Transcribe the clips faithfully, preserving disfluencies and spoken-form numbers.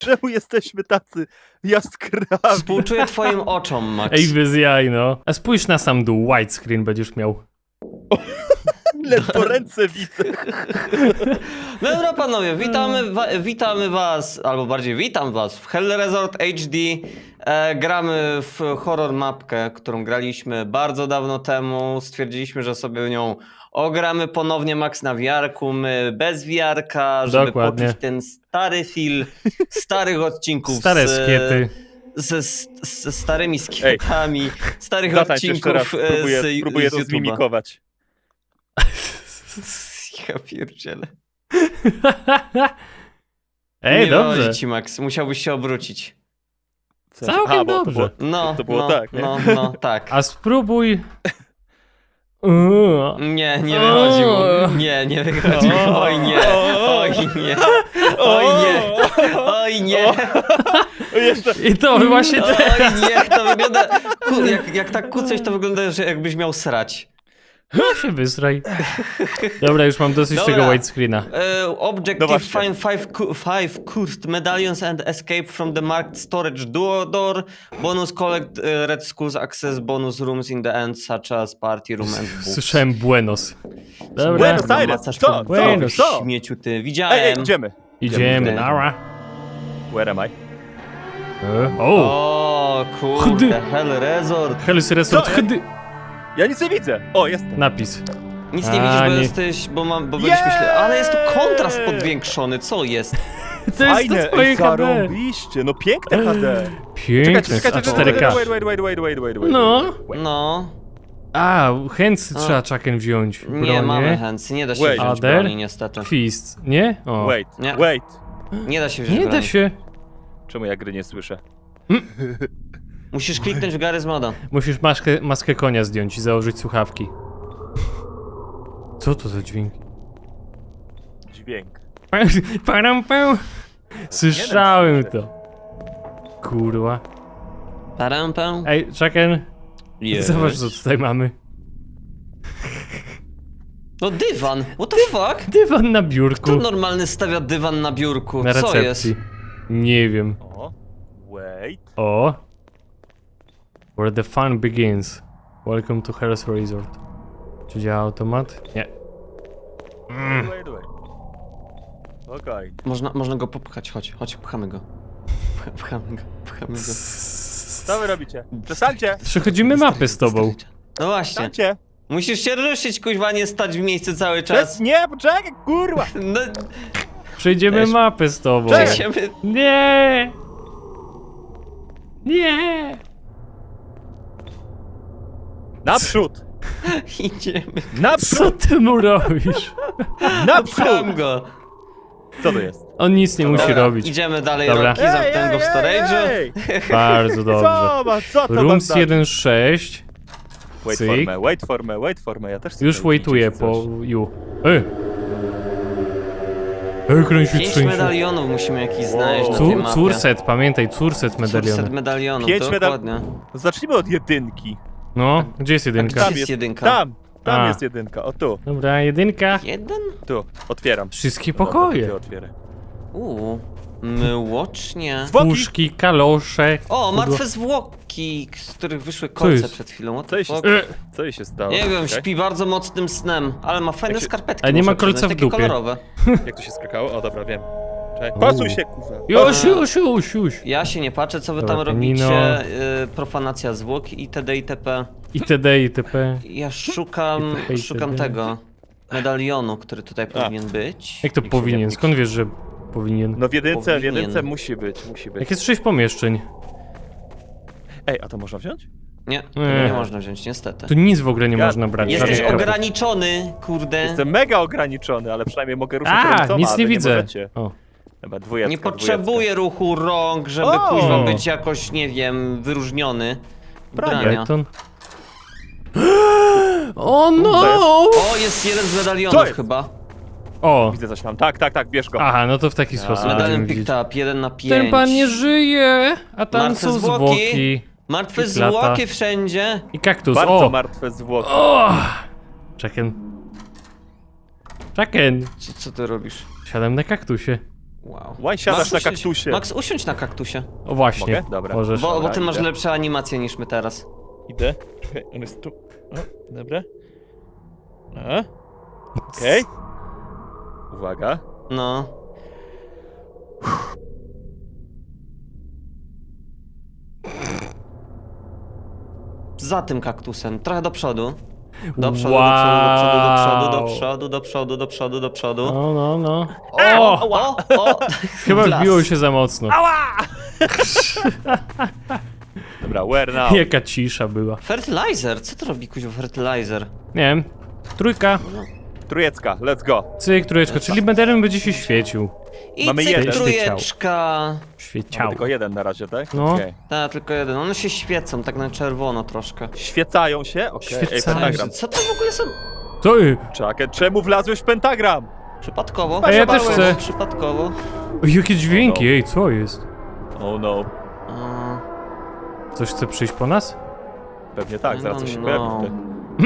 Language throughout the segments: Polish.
Czemu jesteśmy tacy jaskrawi? Współczuję twoim oczom, Max. Ej, bez jaj, no. A spójrz na sam dół, widescreen będziesz miał. Ledwo ręce widzę. No dobra, panowie, witamy, wa witamy was, albo bardziej witam was w Hell Resort H D. E, gramy w horror mapkę, którą graliśmy bardzo dawno temu. Stwierdziliśmy, że sobie nią ogramy ponownie Max na wiarku, my bez wiarka, żeby Dokładnie. poczuć ten stary film starych odcinków. Stare z, skiety. Ze, z, ze starymi skietami, starych Zatańcz jeszcze raz, odcinków e, próbuję, z, próbuję z to YouTube'a. zmimikować. Ja pierdzielę. Ej, Nie dobrze. wychodzi ci, Max, musiałbyś się obrócić. W sensie- Całkiem A, bo to dobrze. było, No, to było no, tak, nie? no, no, tak. A spróbuj... Uuu. Nie, nie wychodzi mu. Nie, nie wychodzi mu. Oj nie, oj nie, oj nie, oj nie, O, jeszcze. I to właśnie te... oj nie. To wygląda, ku, jak, jak tak kucać, to wygląda, że jakbyś miał srać. No się wysraj. Dobra, już mam dosyć Dobra. tego widescreena. E, No objective właśnie. find five, cu- five cursed medallions and escape from the marked storage duo door. Bonus collect e, red skulls access bonus rooms in the end such as party room and books. Słyszałem Buenos. Dobra, Buenos Aires. Macasz Co? po Co? Buenos. Co? śmieciu ty. Ej, ej, Widziałem. idziemy. idziemy, nara. Where am I? E, O! O Chdy. kurde, Hell Resort. Hell's Resort, Co? chdy. Ja nic nie widzę. O, jestem. Napis. Nic nie A, widzisz, bo nie. jesteś, bo mam, bo byliśmy Jej! śle... Ale jest tu kontrast podwiększony, co jest? To jest Fajne, to twoje ej, H D. zarobiście. No piękne H D. Piękne, Czekajcie, a czekajcie, cztery K. wait, wait, wait, wait, wait, wait, wait. No. Wait. No, A, hands A. trzeba czaken wziąć. nie Bronię. mamy chęci, nie da się Wait. wziąć Other? broni niestety. Fist, nie? O. Wait, Nie. wait. Nie da się wziąć Nie broni. da się. Czemu ja gry nie słyszę? Musisz kliknąć w Garry's Moda. Musisz maskę, maskę konia zdjąć i założyć słuchawki. Co to za dźwięk? Dźwięk. Param, pam. Słyszałem to. Kurwa. Parampę. Ej, Chucken, Yes. zobacz co tutaj mamy. No dywan, what the fuck? Dywan na Kto biurku. normalny stawia dywan na biurku? Na Co jest? recepcji. Nie wiem. O, wait. O. Where the fun begins. Welcome to Hell's Resort. Czy działa automat? Nie. Wait, wait, wait. Okej. Można, można go popchać, chodź, chodź, pchamy go. Pch- Pchamy go, pchamy go. Co wy robicie? Przestańcie! Przechodzimy mapy z tobą. No właśnie, Przestańcie! musisz się ruszyć, kuźwa, nie stać w miejscu cały Przes czas. nie, poczekaj, kurwa! No, Przejdziemy Cześć. mapę z tobą. Cześć. przejdziemy. Nie! Nie! Naprzód! Idziemy. Co Naprzód! ty mu robisz? Naprzód! Pcham go. Co to jest? On nic nie musi Dobra, robić. Idziemy dalej, Dobra. Rocky, zamknąłem go w storage'u. ej! Bardzo dobrze. Co ma, co to Rooms wam da? jeden sześć. Wait cyk. for me, wait for me, wait for me, ja też chcę Już tutaj waituję widzieć po coś. you. Ej! Ekran się Pięć trzęsie. medalionów musimy jakiś znaleźć na tej Cur, mapie. curset, pamiętaj, curset Curset medaliony. medalionów, Pięć medal- dokładnie. Zacznijmy od jedynki. No, gdzie jest jedynka? Gdzie Tam jest jest- jedynka? Tam, tam A. jest jedynka, o tu, Dobra, jedynka. Jeden? tu, otwieram. Wszystkie Dobra, pokoje. to otwieraj. Uuu, myłocznie. Zwłoki! Puszki, kalosze. O, pudło- martwe zwłoki, z których wyszły Co kolce jest? przed chwilą. What Co the jej się fuck? E, Co jej się stało? Nie wiem, Czekaj. śpi bardzo mocnym snem, ale ma fajne Jak się- skarpetki. Ale nie ma muszę kolca przyznać, w takie dupie. kolorowe. Jak to się skakało? O, dobra, wiem. Czekaj, Uuu. pasuj się, kurwa. Już, już, już, już. Ja się nie patrzę, co wy Dobra, tam pianino. robicie. Y, profanacja zwłok itd. itp. Itd. itp. Ja szukam, Itp. szukam tego medalionu, który tutaj powinien być. Jak to Nikt się powinien? nie Skąd wiesz, że powinien? No w jedynce, w Powinien. jedynce musi być, musi być. Jak jest sześć pomieszczeń, Ej, a to można wziąć? Nie, tego Nie. nie można wziąć, niestety. to nic w ogóle nie Ja- można brać. Jesteś żadnych kropek. ograniczony, kurde. Jestem mega ograniczony, ale przynajmniej mogę ruszyć A, ręcoma, nic a nie wy widzę. możecie. O, Dobra, dwójecka, Nie dwójecka. potrzebuję ruchu rąk, żeby O! kuźwa być jakoś, nie wiem, wyróżniony. Brania. Brania. beton. O no! O, jest jeden z Co medalionów jest? chyba. O! Widzę coś tam. Tak, tak, tak, bierz go. Aha, no to w taki sposób Medalion będziemy picked widzieć. up, jeden na pięć. Ten pan nie żyje, a tam Martwe są zwłoki. zwłoki. Martwe I plata. zwłoki wszędzie. I kaktus, Bardzo o! martwe zwłoki. O! Chucken. Chucken. Co, co ty robisz? Siadam na kaktusie. Wow. Łaj, siadasz Max, na usiądź- kaktusie. Max, usiądź na kaktusie. O właśnie. Mogę? Dobra. Możesz. Bo, bo Dobra, ty masz idę. lepsze animacje niż my teraz. Idę. Czekaj, on jest tu. O, dobra. A. Okej. Uwaga. No. Za tym kaktusem, trochę do przodu. Do przodu, do przodu, do przodu, do przodu, do przodu, do przodu, do przodu. No, no, no. O, O! o, o! Chyba Blas. wbiło się za mocno. Ała! Dobra, where now? Jaka cisza była. Fertilizer, co to robi kuźwa fertilizer? Nie wiem. Trójka. Trójecka, let's go. Cyk, trójeczka. Czyli medalion będzie się świecił. I Mamy cyk, jeden. trójeczka. Mamy Świeciał. tylko jeden na razie, tak? No. Okej. Tak, tylko jeden. One się świecą, tak na czerwono troszkę. Świecają się? Okej. Ej, Świecają pentagram. Co to w ogóle są? Co? y? Czekaj, czemu wlazłeś w pentagram? Przypadkowo? A ja też Zbaszowałem. chcę. Przypadkowo. O, jakie dźwięki, ej, co jest? Oh no. A, Coś chce przyjść po nas? Pewnie tak, zaraz coś się no, pojawi no. tutaj.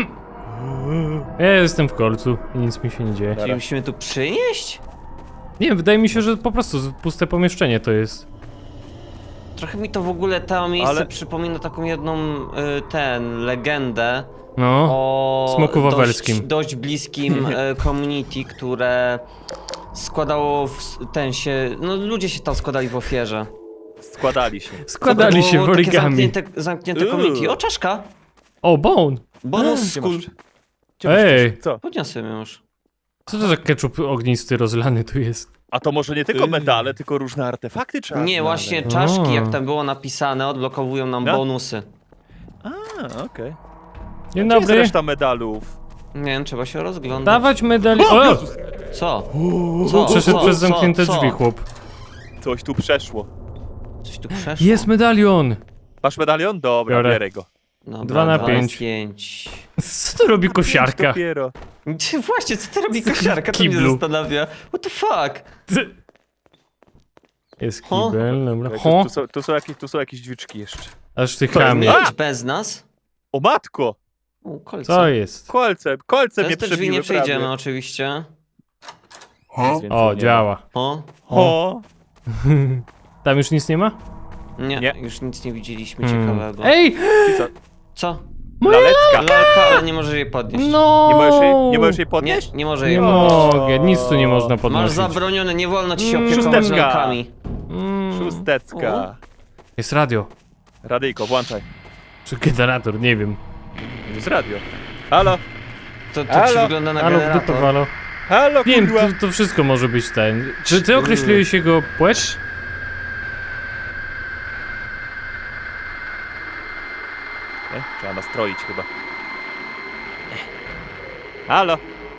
Ja jestem w kolcu i nic mi się nie dzieje. Czyli musimy tu przynieść? Nie wiem, wydaje mi się, że po prostu puste pomieszczenie to jest. Trochę mi to w ogóle to miejsce Ale- przypomina taką jedną, y, ten, legendę No. o Smoku wawelskim. Dość, dość bliskim y, community, które składało w, s- ten się, no ludzie się tam składali w ofierze. Składali się. Składali To się było w takie origami. zamknięte, zamknięte community. O, czaszka! O, bone! Bonus Gdzie skull. masz? Gdzie masz Ej. coś? Co? Podniosłem ją już. Co to za ketchup ognisty rozlany tu jest? A to może nie tylko medale, tylko różne artefakty trzeba Nie, znaleźć. właśnie czaszki, O. jak tam było napisane, odblokowują nam No. bonusy. A, okej. Dzień Gdzie jest dobry. reszta medalów? Nie wiem, trzeba się rozglądać. Dawać medali... O! Co? Co? Przeszedł Co? przez Co? zamknięte Co? drzwi, chłop. Coś tu przeszło. Coś tu przeszło. Jest medalion! Masz medalion? Dobra, Biorę. bierę go. Dobra, Dwa na dwa pięć. pięć. Co to robi kosiarka? Dopiero. Ty, Właśnie, co ty robi kosiarka? To mnie Kiblu. zastanawia. What the fuck? Ty- Jest Ho? kibel, dobra. Tu, Ho! tu, są, tu, są jakieś, tu są jakieś drzwiczki jeszcze. Aż ty To jest chamie. A! Mieć bez nas? O matko! O, kolce. Co jest? Kolce, kolce mnie Przez te drzwi przebiły nie przejdziemy prawie. oczywiście. Nic więcej O, nie działa. O? ma. O! Tam już nic nie ma? Nie, Nie. już nic nie widzieliśmy Hmm. ciekawego. Ej! I co? Co? Moja Laleczka! Lalka, ale nie możesz jej podnieść. No! Nie możesz jej, nie możesz jej Nie, podnieść? nie może Nie jej mogę, nic tu nie można Masz podnosić. zabronione, nie wolno ci się Mm. opiekować Szósteczka. lalkami. Mm. Szóstecka. Jest radio. Radyjko, włączaj. Czy generator, nie wiem. Jest radio. Halo? To, to Halo? ci wygląda na Halo, w dupę generator. walo. Halo, Nie wiem, kurwa! to, to wszystko może być ten. Czy ty określiłeś jego płeć? E, trzeba nastroić chyba. Halo?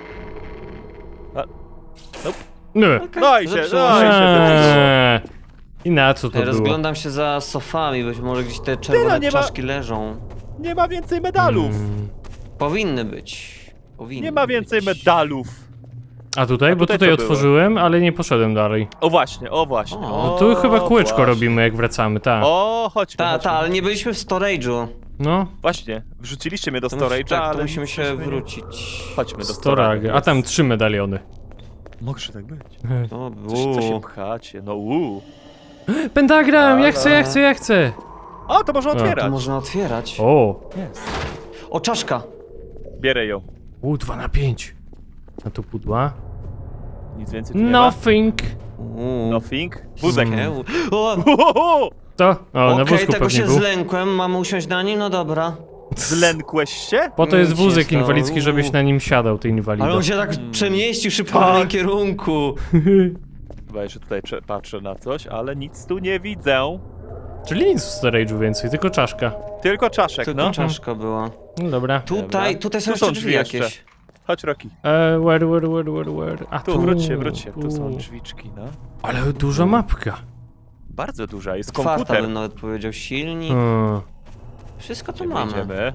Nie. No i się, Zepsuło no i się. się zepsuło. Eee. I na co to było? Rozglądam się za sofami, być może gdzieś te czerwone no nie ma- czaszki leżą. Nie ma więcej medalów. Mm. Powinny być. Powinny Nie ma więcej być. medalów. A tutaj? A Bo tutaj tutaj co było? otworzyłem, ale nie poszedłem dalej. O właśnie, o właśnie. O, No tu chyba kółeczko właśnie. robimy, jak wracamy, tak. O, chodźmy, Ta, chodźmy. ta, ale nie byliśmy w storage'u. No, Właśnie, wrzuciliście mnie do To mus- storage'a, tak, ale to musimy nic się żeśmy nie- wrócić. Chodźmy do storage. A tam trzy medaliony. Może tak być. O, Coś, co się bu. pchacie, no uuu. Pentagram, ja chcę, ja Ale- chcę, ja chcę. O, to można A, to otwierać. To można otwierać. O, Jest. O, czaszka. Bierę ją. u, dwa na pięć. Na to pudła. Nic więcej tu nie ma. Nothing. Uuu. Nothing. Wózek. Mm. Eł. O, Uhuhu! To? O, na okej, wózku tego pewnie się był. zlękłem, mamy usiąść na nim? No dobra. Zlękłeś się? Po to jest Nic się nie wózek stało. inwalidzki, żebyś na nim siadał, ty inwalido. Ale on się tak Hmm. przemieścił szybko w Tak. moim kierunku. Chyba jeszcze tutaj cze- patrzę na coś, ale nic tu nie widzę. Czyli nic w storage'u więcej, tylko czaszka. Tylko czaszek, Tylko no. czaszka była. No dobra. Tutaj, Dobra. tutaj są Tu jeszcze są drzwi drzwi jeszcze. jakieś. Chodź, Roki. E, where, where, where, where, where? A Tu, wróć się, wróć się. Tu są tu. drzwiczki, no. Ale duża mapka. Bardzo duża, jest Otwarta komputer. bym nawet powiedział, silnik. Hmm. Wszystko to Gdzie mamy. pójdziemy?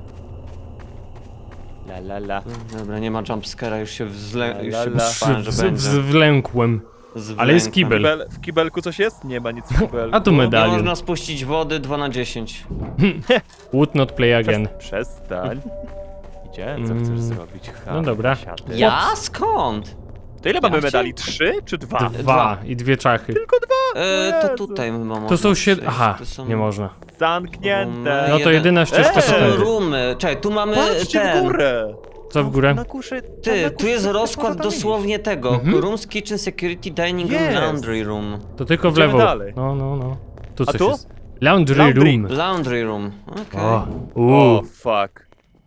La la la. Dobra, nie ma jumpscare'a, już się wzlę... La, już la, się la. bałem, że Z- będzie. z- Wlękłem. ale jest Zwlękłem. kibel. Kibel, w kibelku coś jest? Nie ma nic w kibelku. A tu Nie medalion. można spuścić wody dwa na dziesięć. Would not play again. Przestań. Idzie, co Mm. chcesz zrobić? Ha, No dobra. siadę. Ja? Skąd? To ile mamy Ja medali? Trzy czy dwa? Dwa Dwa. i dwie czachy. Tylko dwa! E, to Jezu. tutaj chyba można To są siedem... przejść, Aha, to są... nie można. Zamknięte. No to jeden- jedyna ścieżka Eee! to To są tędy. roomy. Czekaj, tu mamy Patrzcie w ten... górę! Co w górę? Na kuszy, Ty, na tu kuszy jest coś rozkład można tam dosłownie tego. Mhm. Rooms, kitchen, security, dining room, Jest. laundry room. To tylko w Idziemy lewo. dalej. No, no, no. Tu A coś tu? jest. Laundry, Laundry. room. Laundry room, okej. O, iść. uuu. O, fuck.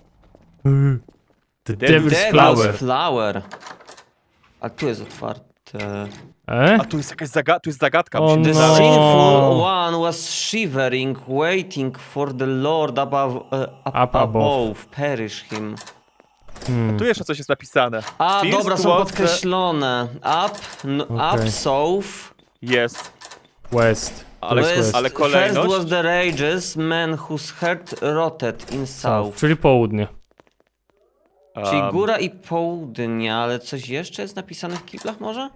The Devil's Devil's Devil's Flower. flower. A tu jest otwarte. E? A tu jest jakaś zaga tu jest zagadka. O musimy The no. znaleźć. sinful one was shivering, waiting for the Lord above, uh, up, Up above. above, perish him. Hmm. Tu jeszcze coś jest napisane. A, First dobra, są was the- podkreślone. Up, no, Okej. up, south. Jest. West. Ale, To jest West. ale First kolejność. was the rages, man whose heart rotted in south. Czyli południe. Czyli Um, góra i południe, ale coś jeszcze jest napisane w kiblach może?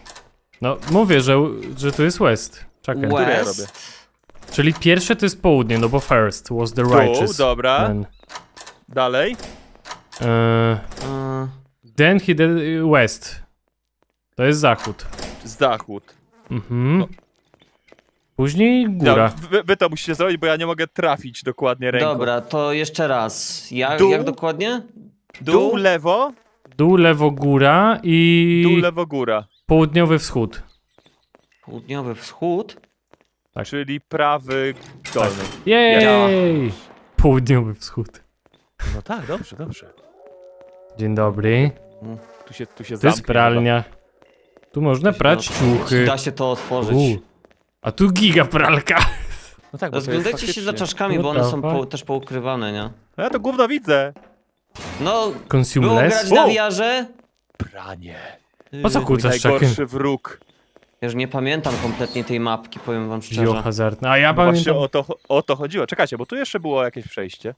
No, mówię, że, że tu jest West. Czekaj. Które ja West. robię? Czyli pierwsze to jest południe, no bo first was the righteous. Tu, dobra. Then, Dalej. e, Uh, then he did west. To jest zachód. Zachód. Mhm. No. Później góra. No, wy, wy to musicie zrobić, bo ja nie mogę trafić dokładnie ręką. dobra, to jeszcze raz. Jak, Dół. jak dokładnie? Dół, lewo, Dół, lewo, góra i dół, lewo, góra. południowy wschód. Południowy wschód. Tak. Czyli prawy dolny. Jej! Południowy wschód. No tak, dobrze, dobrze. Dzień dobry. Tu się, tu się To jest zamknie pralnia. Tu można się prać da- ciuchy. Da się to otworzyć. U. A tu giga pralka. chyba. No tak, bo to jest Rozglądajcie się za faktycznie. czaszkami, bo one są What the po, też poukrywane, nie? No ja to gówno widzę. No, było Consumeless. grać na O! wiarze. Pranie. Po co Yy, kłócasz czakiem? Najgorszy wróg. Ja już nie pamiętam kompletnie tej mapki, powiem wam szczerze. Biohazardne. A ja No właśnie pamiętam. o to, o to chodziło. Czekajcie, bo tu jeszcze było jakieś przejście.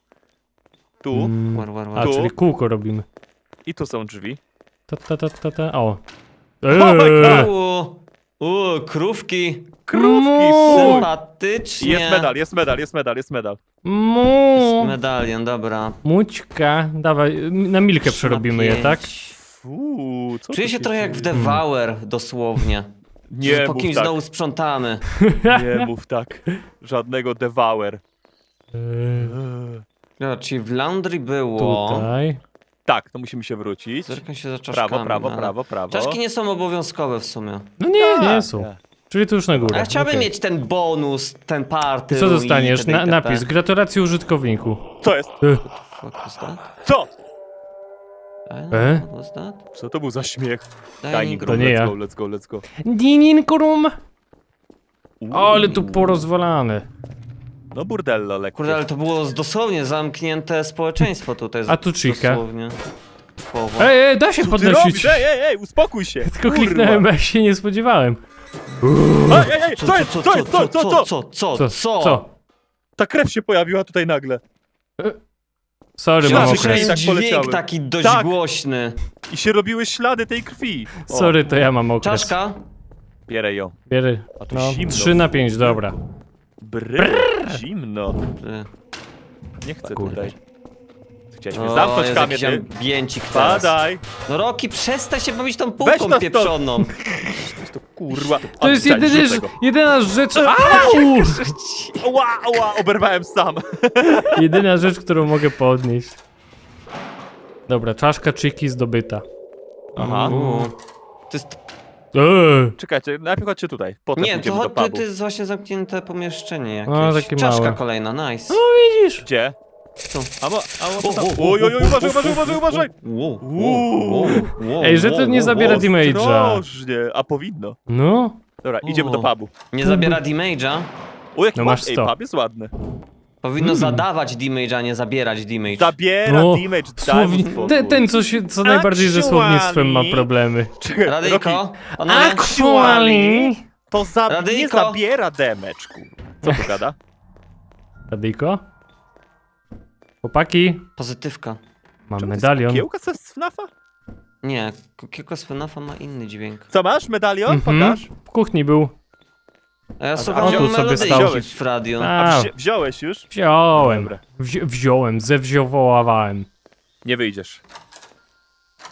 Tu Mm. War, war, A, war. Tu. czyli kółko robimy. i tu są drzwi. Ta, ta, ta, ta, ta. O. Oh my Eee. Uuu, uuu, krówki. Krówki, Mu. fuj. Sympatycznie. Jest medal, jest medal, jest medal, jest medal. Mu. Medalion, dobra. Mućka. Dawaj, na milkę przerobimy je, Na tak? pięć. Fuu, co Czuję tu się trochę jak w dzieje? Devour, dosłownie. Nie Że po mów kimś tak, znowu sprzątamy. nie mów tak. Żadnego Devour. Eee, Dobra, czyli w laundry było. Tutaj. Tak, to musimy się wrócić. Zerkam się za czaszkami. Prawo, prawo, ale- prawo, prawo. Czaszki nie są obowiązkowe w sumie. No nie, nie Tak, są. tak. Czyli tu już na górę. A ja chciałbym Okej. mieć ten bonus, ten party. I co dostaniesz? itd., Na, itd. napis. Gratulacje użytkowniku. Co jest? Ech. Fuck was that? Co? E? What was that? Co to był za śmiech? Dining Dining To room, nie let's ja. go, let's go, let's go. Dining room. Uuu. Ale tu porozwalane. No burdello lekkie. Kurde, ale to było z- dosłownie zamknięte społeczeństwo tutaj. A tu chica. Dosłownie. Typowo. Ej, ej, da się Co ty podnosić. robisz? Ej, ej, ej, uspokój się! Tylko Kurwa. kliknąłem, bo ja się nie spodziewałem. Ej, ej, ej, co jest, co jest, co, co, co? co, co, Co? co? Co? Ta krew się pojawiła tutaj nagle. Sorry, Ja mam słyszałem okres. tak dźwięk poleciały. taki dość Tak. głośny. I się robiły ślady tej krwi. O, Sorry, to ja mam okres. Czaszka? bierę ją. Bierę. A tu No, zimno. trzy na pięć, dobra. Brrr, zimno. Y, Nie chcę Kurde. tutaj. Chciałeś mnie O, zamknąć jest kamień, jakiś ty? ambiencik teraz. Padaj. No Roki, przestań się bawić tą Weź półką to stąd. pieprzoną. To kurwa. To jest Odstań, jedyny, rzucę go. jedyna rzecz... Au! Ła, ła, oberwałem sam. Jedyna rzecz, którą mogę podnieść. Dobra, czaszka czyki zdobyta. Aha. Uuu. To jest... Eee. Czekajcie, najpierw chodźcie tutaj. Potem Nie, pójdziemy to, do to, pubu. to jest właśnie zamknięte pomieszczenie jakieś. No, takie Czaszka małe. kolejna, nice. No widzisz? Gdzie? Tu. A mo, a mo, O, tam. o, o, Oj, oj, oj, o, uważaj, o, uważaj, o, uważaj, o, uważaj. Wow, Uuu. wow, wow, Ej, że to wow, nie wow, zabiera wow. damage'a. Ostrożnie, a powinno. No. Dobra, idziemy do O. pubu. Nie zabiera damage'a. O, jaki No no masz Ej, sto. pub jest ładny. Powinno Mm. zadawać damage, a nie zabierać damage. Zabiera No, damage, daj Słowni... mu spokój. ten, ten, co, się, co najbardziej ze słownictwem ma Actually- problemy. Czekaj, Rocky, Radyjko, panowie, Actually, to za... nie Radyjko. zabiera damage, kurwa. Co tu gada? Radyjko? Chłopaki, pozytywka. mam Czemu to jest medalion. Kukiełka z FNAFa? Nie, Kiko z FNAFa ma inny dźwięk. Co masz? Medalion? Mhm. Pokaż. W kuchni był. A ja a słucham tu sobie melodyjki stał. w radio. A, A wzi wziąłeś już? wziąłem. Dobra. Wzi wziąłem, zewziowałałem. Nie wyjdziesz.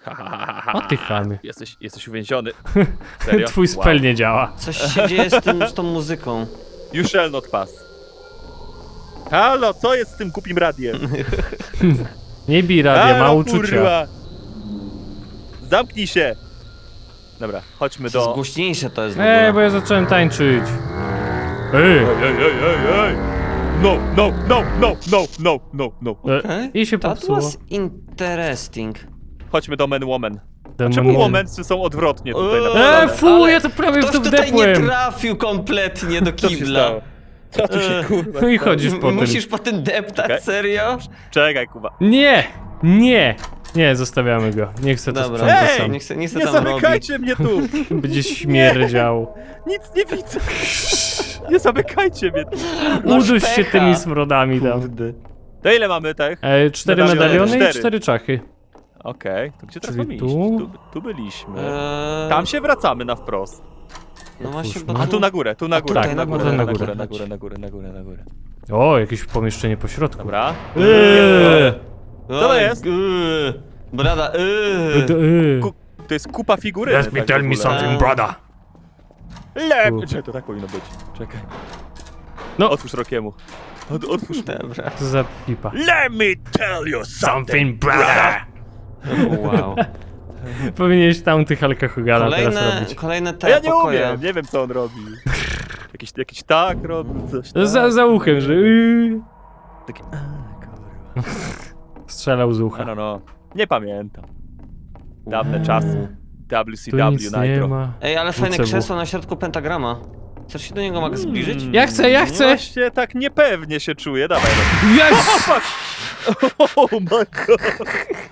Ha, ha, ha, ha, O ty chamie. Jesteś, jesteś uwięziony. Serio? Twój spell nie działa. Coś się dzieje z, tym, z tą muzyką. You shall not pass. Halo, co jest z tym głupim radiem? Nie bij radia, ma Halo, uczucia. kurwa. Zamknij się. Dobra, chodźmy Coraz do... głośniejsze to jest w Ej, ogóle. bo ja zacząłem tańczyć. Ej! Ej, ej, ej, ej, ej! No, no, no, no, no, no, no, no. E, Okej. I się That popsuło. was interesting. Chodźmy do Men Woman. Demon Czemu Woman. Womensy są odwrotnie tutaj Eee, napisane? E, fu, Ale ja to prawie w Ktoś to tutaj nie wdepłem. trafił kompletnie do Co się kibla. stało? Co tu się Eee. kurwa No i stało? chodzisz po tym. Musisz po tym deptać, Okej. serio? Czekaj, Kuba. Nie! Nie! Nie, zostawiamy go. Nie chcę to Dobra, sprzątać Ej! sam. nie chcę, nie chcę Nie tam robić. zamykajcie mnie tu! Będzie śmierdział. Nic nie widzę. Nie zamykajcie mnie tu. Masz Uduś się pecha. tymi smrodami tam. To ile mamy tych? E, cztery Medaliony. medaliony i Cztery. cztery czachy. Okej, to gdzie teraz Czyli mamy iść? tu? Tu, tu byliśmy. Eee, Tam się wracamy na wprost. No właśnie, bo Otwórzmy. A tu na górę, tu na górę, tutaj tu na na górę, górę, na na górę, górę. na górę, na górę, na górę, na górę. O, jakieś pomieszczenie po środku. Dobra. Eee. Co to jest? Eee, Brada, eee. D- eee. Ku, to jest kupa figury. Let me tell me something, brother. Lep! Tu. Czekaj, to tak powinno być. Czekaj. No. Otwórz Rokiemu. Od, otwórz. Dobra. Co za pipa. Let me tell you something, Something, brother. Wow. Powinieneś tam tych alkohogala teraz Kolejne, robić. kolejne A te ja nie pokoje. umiem, nie wiem co on robi. Jakiś, jakiś tak robi, coś tak. Za, za uchem, że yy, Taki, a, kurwa. strzelał z I ucha. don't know. Nie pamiętam. Dawne czasy. W C Tu W nic nie Nitro. ma. Ej, ale fajne W C W. krzesło na środku pentagrama. Chcesz się do niego mogę zbliżyć? Mm, Ja chcę, ja chcę! Właśnie tak niepewnie się czuję, dawaj. Yes! Oh my god.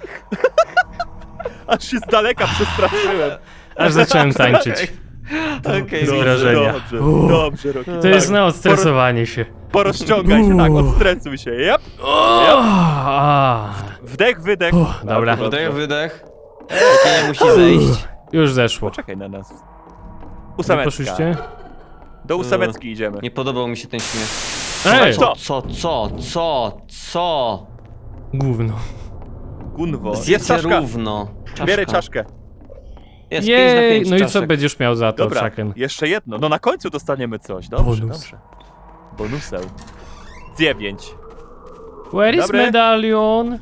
Aż się z daleka przestraszyłem. Aż zacząłem tańczyć. Okej, Z Dobrze, wrażenia. Dobrze, Uff. dobrze, Roki. To jest na odstresowanie się. Porozciągaj się, tak, Uff. odstresuj się. Yep. O, a. Wdech, wydech. Uff, dobra. Dobrze. Wydech, wydech. Ej, nie musi zejść. Już zeszło. Poczekaj na nas. Gdzie Ósemeczka. poszliście? Do ósemeczki idziemy. Nie podobał mi się ten śmiech. Ej! Co? Co, co, co, co? Gówno. Gunwo. Jest Zjedzcie czaszka. równo. Czaszka. Bierę czaszkę. Jest pięć na Jej, pięć no i co czaszek. będziesz miał za to, Dobra, Chucken? jeszcze jedno. No na końcu dostaniemy coś. Dobrze, Bonus. dobrze. Bonusem. Dziewięć. Where is Dobry. medalion?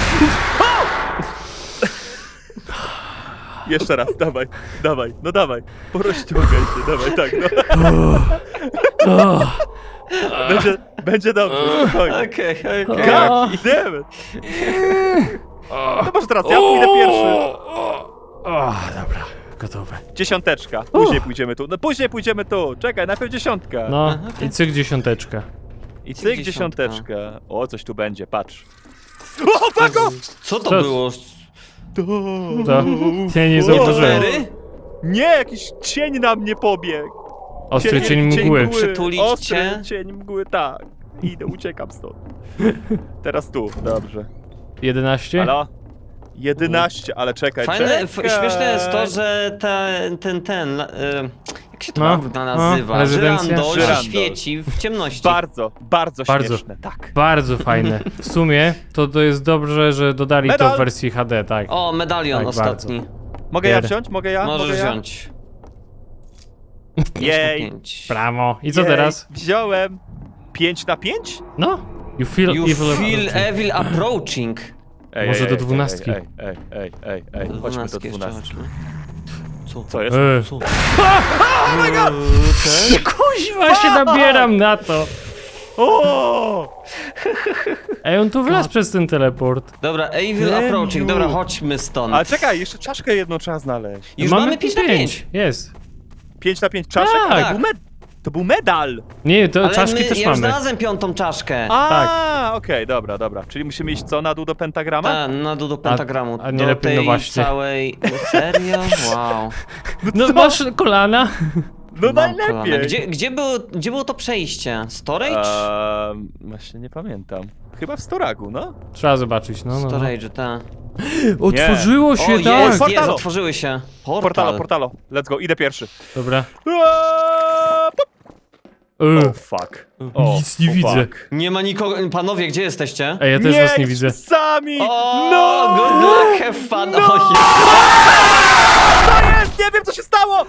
Jeszcze raz, dawaj, dawaj, no dawaj. Porozciągaj się, dawaj, tak, no. O, Będzie, będzie dobrze, spokojnie. Okej, okej. O. God damn it. No może teraz ja pójdę pierwszy. o, dobra, gotowe. Dziesiąteczka, później pójdziemy tu. No później pójdziemy tu, czekaj, najpierw dziesiątka. No, Aha, okej. i cyk dziesiąteczka. I cyk dziesiątka. dziesiąteczka. O, coś tu będzie, patrz. O, fago! Co to Co? było? To, ja nie O. zauważyłem. Cztery? Nie, jakiś cień na mnie pobiegł. Ostry cień mgły. Przytulić Ostry cię? cień mgły, tak. Idę, uciekam stąd. Teraz tu, dobrze. jedenaście? Halo? jedenaście, ale czekaj, Fajne, czekaj. f- śmieszne jest to, że ta, ten, ten, e, jak się to No, kurwa no, nazywa? rezydencja? Żyrandol się Żyrandol. świeci w ciemności. Bardzo, bardzo, Bardzo. śmieszne, tak. Bardzo fajne. W sumie to, to jest dobrze, że dodali to Medal! w wersji H D, tak. O, medalion Tak, ostatni. Mogę ja Bierę. wziąć? Mogę ja? Możesz Mogę ja? wziąć. Jej, pięć. Brawo. I co jej, teraz? Wziąłem. pięć na pięć? No. You feel You evil. feel approaching. evil approaching. Ej, Może ej, do ej, dwunastki. Ej, ej, ej, ej, ej, chodźmy do Dwunastki jeszcze dwunastki. chodźmy. Co? Co jest? Ej. Co? Kuźwa się nabieram na to. O! Ej, on tu wlazł przez ten teleport. Dobra, evil Leniu. approaching. Dobra, chodźmy stąd. Ale czekaj, jeszcze czaszkę jedną trzeba znaleźć. Już mamy pięć na pięć. Jest. pięć na pięć czaszek? Tak. To był, med to był medal! Nie, to Ale czaszki my, też ja już mamy. znalazłem piątą czaszkę. A, okej, dobra, dobra. Czyli musimy iść co, na dół do pentagrama? Ta, na dół do pentagramu. a nie do lepiej, tej no właśnie. całej... Serio? Wow. No masz kolana. No Mam kolana. najlepiej! Gdzie, gdzie, było, gdzie było to przejście? Storage? Eee, właśnie nie pamiętam. Chyba w Storagu, no? Trzeba zobaczyć, no, no. no. Storage, tak. Otworzyło O, się, jest, tak. jest, Portalo. otworzyły się. Portal. Portalo, portalo. Let's go, idę pierwszy. Dobra. Eee, pop. Yy. O, fuck. O, Nic nie o, widzę. fuck. Nie ma nikogo... Panowie, gdzie jesteście? Ej, ja też was nie widzę. sami! O, No! good luck, have fun. No! O, je- Co jest? Nie wiem, co się stało!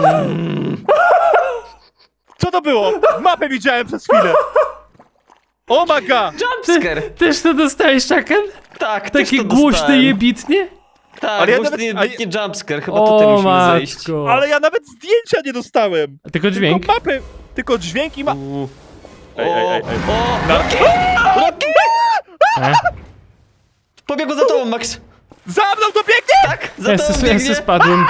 Co to było? Mapę widziałem przez chwilę. Oh my god! Jumpscare. Też to dostałeś, Chucken? Tak, też Takie to głośne dostałem. jebitnie? Tak, Ale ja głośny nawet- nie, a ja- nie jumpscare, chyba tutaj O musimy zejść. matko. Ale ja nawet zdjęcia nie dostałem. Tylko dźwięk? Tylko mapy, tylko dźwięk i ma... U. Ej, ej, ej, ej. O, Na- Rocky! Rocky! E? Pobiegł za tobą, Max. Za mną to biegnie! Tak, za Ja tobą se, ja se biegnie. spadłem.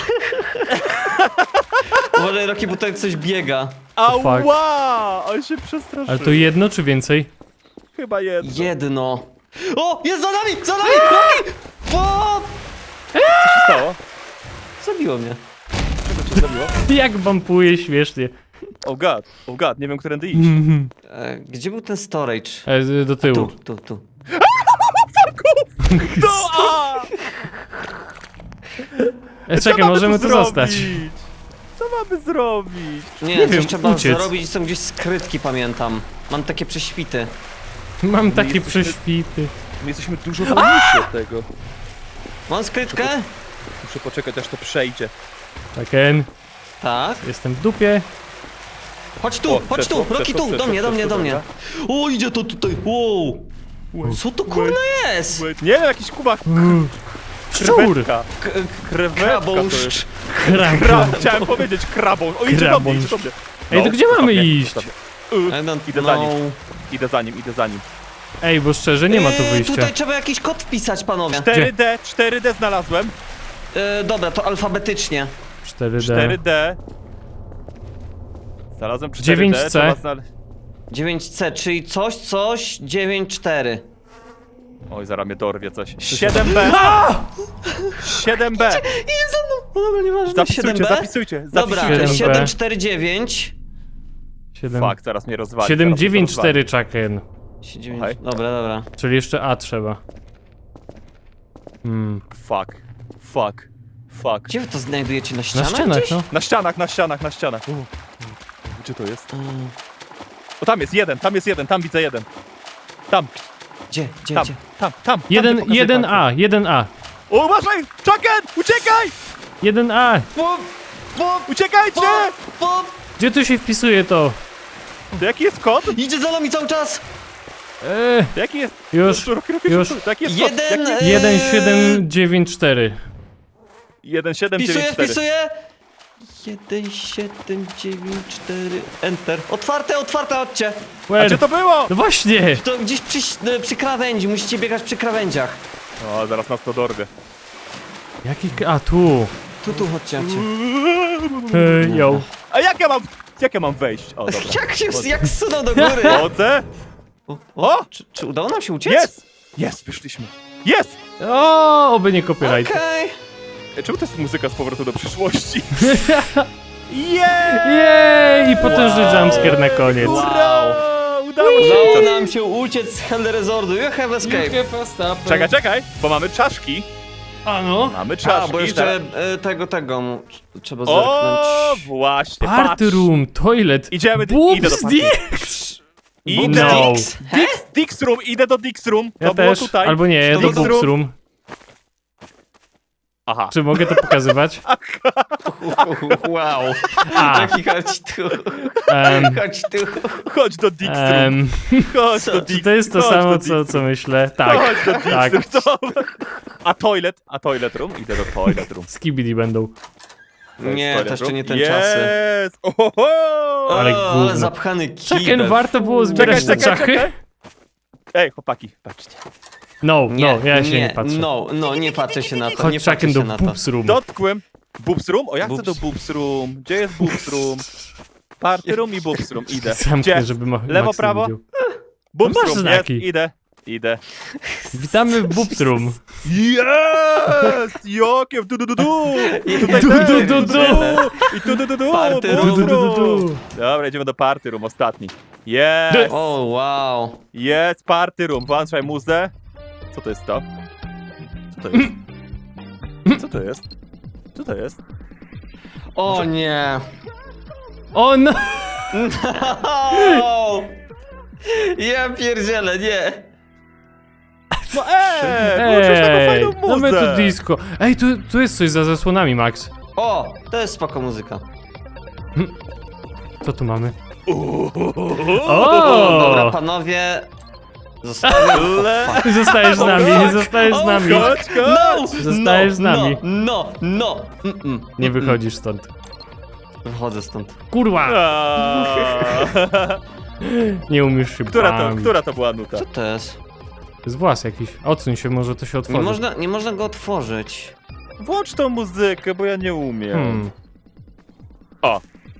Uważaj, Rocky, bo tutaj coś biega. Ała! On się przestraszył. Ale to jedno czy więcej? Chyba jedno. Jedno. O, jest za nami, za nami, Rocky! O, Co się stało? zabiło mnie. Czego cię zabiło? Jak bampuje śmiesznie. Oh god, oh god, nie wiem, którędy iść. Mhm. E, gdzie był ten storage? E, do tyłu. Tu, tu, tu. No, a! E, Co czekaj, mamy możemy tu zrobić? zostać. Co mamy zrobić? Nie, Nie coś wiem, trzeba uciec. zrobić, są gdzieś skrytki, pamiętam. Mam takie prześwity. Mam takie jesteśmy- prześwity. My jesteśmy dużo wolniejsi od tego. Mam skrytkę? Muszę poczekać, aż to przejdzie. Chucken, Tak. jestem w dupie. Chodź tu, O, chodź przeszło, tu, Rocky przeszło, tu, do mnie, do przeszło, mnie, do mnie. przeszło, O, idzie to tutaj, wow. Co to kurna jest? Wait, nie wiem, jakiś kubak. Uuu. Szczur! Krewetka. K- Krewetka to Krabąszcz. jest. Krab. Kra chciałem powiedzieć krabą. O, idzie do mnie, idzie do mnie. Ej, to gdzie zostaw mamy mnie, iść? zostaw mnie. I Y, don't Idę za know. nim, idę za nim, idę za nim. Ej, bo szczerze, nie ma tu Eee, wyjścia. Tutaj trzeba jakiś kod wpisać, panowie. cztery D, cztery D znalazłem. E, dobra, to alfabetycznie. cztery D. cztery D. Znalazłem cztery D. dziewięć C. trzeba znale- dziewięć C, czyli coś, coś, dziewięć cztery. Oj, zaraz mnie dorwie coś. siedem B. siedem B. Idzie za mną! No dobra, nieważne. Zapisujcie, siedem B? zapisujcie, Dobra, zapisujcie. siedem B. siedem cztery dziewięć. siedem. Fuck, zaraz mnie rozwali. siedem zaraz mnie dziewięć rozwali. cztery, Chucken. Słuchaj. Dobra, dobra. Czyli jeszcze A trzeba. Hmm. Fuck, fuck, fuck. Gdzie wy to znajdujecie? Na Na ścianach ścianach, gdzieś? no. Na ścianach, na ścianach, na ścianach. U, u, gdzie to jest? Mm, O, tam jest jeden, tam jest jeden, tam widzę jeden. Tam, Gdzie, gdzie, tam, gdzie? tam, tam. Jeden, tam, gdzie jeden pokazuję A, jeden A. palcem. O, uważaj! Chucken! Uciekaj! jeden A. Pop, pop, Uciekajcie! pop, pop. Gdzie tu się wpisuje to? To jaki jest kod? Idzie za nami cały czas! Eee, To jaki jest? już, Roki, roki, już. To jaki jest Jeden, kod? Jaki jest? e- jeden siedem dziewięć cztery. jeden siedem Wpisuję, dziewięć cztery. wpisuję! jeden siedem dziewięć cztery, enter. Otwarte, otwarte, chodźcie! A gdzie to było? No właśnie! To gdzieś przy, e, przy krawędzi, musicie biegać przy krawędziach. O, zaraz nas to dorwie. Jaki... k- A, tu. Tu, tu, chodźcie, chodźcie. Ej, yo. A jak ja mam, jak ja mam wejść? O, dobra. Jak się, jak zsunął do góry? Chodzę. O, O! Czy, czy udało nam się uciec? Jest! Jest, wyszliśmy. Jest! O, oby nie copyright. Okej. Ej, czemu to jest muzyka z powrotu do przyszłości? Yeah! Jej! I potężny jumpscare na koniec. Wow! Udało Udało się! nam się uciec z Hell Resortu. You have escape. Czekaj, czekaj, bo mamy czaszki. A no. Mamy A, czaszki. bo jeszcze zaraz- e, tego, tego mu tr- trzeba O, zerknąć. właśnie, Party patrz. room, toilet. Idziemy, Boobs idę do party. Dicks! Idę. No. Dix? Dix, Dix Room, idę do Dix Room. To Ja było też, tutaj. albo nie, To do Dix boobs Room. room. Aha. Czy mogę to pokazywać? Wow. A, Taki chodź tu. em, Chodź tu. Chodź do Dix Room. em, Chodź co? do czy Dix to jest to chodź samo, do Dix co, Room. co myślę? Tak, Chodź do Dix tak. Room. Dobra. A toilet? A toilet room? Idę do toilet room. Skibidi będą. To jest Nie, toilet to jeszcze room. nie ten czasy. Jest! Ohoho! Ale O, gówno. zapchany Czekaj, kibel. warto było zbierać te Czekaj, czekaj, czachy? Ej, chłopaki, patrzcie. No, Nie, no, ja się nie, patrzę. No, no, nie patrzę się na to, nie Chodź patrzę Chucken się do na to. boobs room. Dotkłem. Boobs room? O, ja chcę Boobs. do boobs room. Gdzie jest boobs room? Party room i boobs room. Idę. Zamknę, Gdzie? żeby ma Lewo, Max nie prawo? widział. Boobs No masz room, jest. znaki. Idę. Idę. Witamy w boobs room. Jest! Jokiem, du du du du! Tutaj Du, też, du, du, du. I tu du du du, Party boobs room. Du, du, du, room. du. Dobra, idziemy do party room, ostatni. Jest! O, wow. Jest party room, włączaj muzę. Co to jest to? Co to jest? Co to jest? Co to jest? O nie. O no! No! Ja pierdzielę, nie! No eee, włączyłeś taką Ej, fajną mamy muzę. tu disco. Ej, tu, tu jest coś za zasłonami, Max. O, to jest spoko muzyka. Co tu mamy? O! O! Dobra, panowie. Zostawiam. Le- O, fuck. Zostajesz z nami, fuck. zostajesz z O, nami. Chodź, No! chodź. Zostajesz no, z nami. No, no, no. Mm-mm. Nie wychodzisz stąd. Wychodzę stąd. Kurwa! Aaaa. Nie umiesz się Która to, bawić. która to była nuta? Co to jest? To jest włas jakiś. Odsuń się, może to się Nie otworzy. można, nie można go otworzyć. Włącz tą muzykę, bo ja nie umiem. Hmm. O,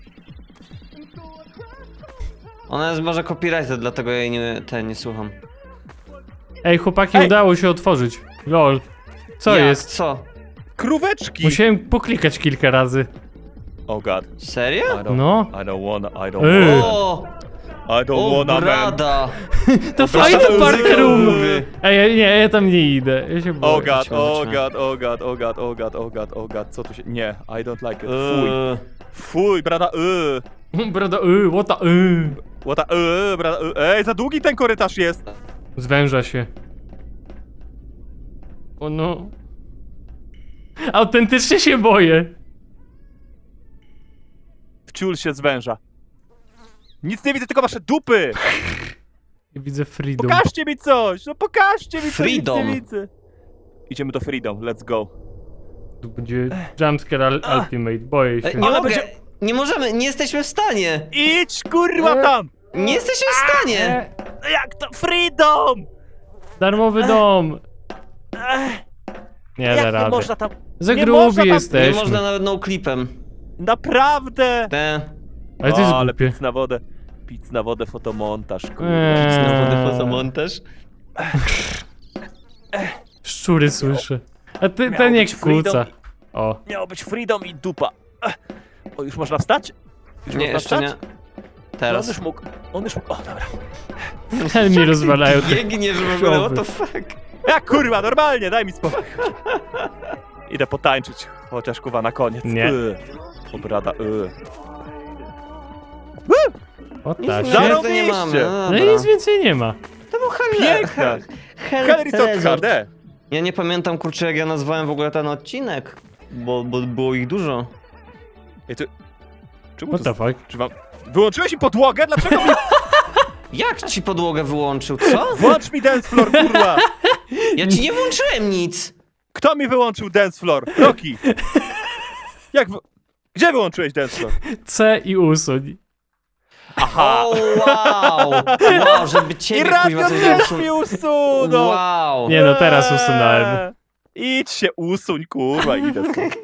Ona jest może copyrighted, dlatego ja jej nie, te, nie słucham. Ej, chłopaki, Ej! udało się otworzyć. Lol. Co Jak? jest? Co? króweczki. Musiałem poklikać kilka razy. Oh god. Serio? I don't, No. I don't wanna, I don't Ej. wanna. O! I don't O, wanna, man. brada! To Proszę, fajny muzyka park room. mówi. Ej, ja- nie, ja tam nie idę. Ja się boję. Oh god, Chodźmy, oh chodźmy. god, oh god, oh god, oh god, oh god, oh god, co tu się... Nie, I don't like it. Fuj. Eee, Fuj, brada, y. Brada, y, what the, y. Łata, y, brada, y. Ej, za długi ten korytarz jest. Zwęża się. O no. Autentycznie się boję. Wciul się zwęża. Nic nie widzę, tylko wasze dupy. I widzę freedom. Pokażcie mi coś, no pokażcie mi coś, Freedom. nic nie widzę. Idziemy do Freedom, let's go. Tu będzie jumpscare al ultimate, boję się. Ej, nie Ale mogę! będzie- Nie możemy, nie jesteśmy w stanie! Idź, kurwa, E. tam. Nie jesteśmy w stanie! E, Jak to? Freedom! darmowy dom. Ech, Nie jak da nie rady. można tam... Za nie można grubi tam- Nie jesteśmy. można nawet no clipem. Naprawdę! Te. Ale to jest O, ale głupie. pic na wodę. Pic na wodę, fotomontaż, kurwa. Eee. Na wodę fotomontaż. Szczury słyszę. A ty, Miało ten jak być freedom. kłóca. O. Miało być Freedom i dupa. Ech. O, już można wstać? Już Nie, można jeszcze nie. wstać? On Teraz. już mógł, on już mógł, o dobra. Ale mi rozwalają te Biegniesz w ogóle, what the krzowy. fuck? Ja kurwa, normalnie, daj mi spokój. Idę potańczyć, chociaż kurwa na koniec. Nie. Y. O brada, y. O Nic tak. na Zarobiście. razie nie mamy. No, No i dobra. nic więcej nie ma. To był Hell Piękne. Hell Hell Resort Resort. H D. Ja nie pamiętam, kurczę, jak ja nazwałem w ogóle ten odcinek. Bo, bo było ich dużo. Ej, ty... Czemu What to... the fuck? Czy wam... Wyłączyłeś mi podłogę? Dlaczego mi... Jak ci podłogę wyłączył, co? Włącz mi dance floor, kurwa! Ja ci nie włączyłem nic! Kto mi wyłączył dance floor? Roki! Jak wy... Gdzie wyłączyłeś dance floor? C i usuń. Aha! O, wow! Wow, żeby I ciebie radio kuźwa coś też zepsuł. mi usunął! Wow! Nie no, teraz usunąłem. Idź się usuń, kurwa, idę stąd.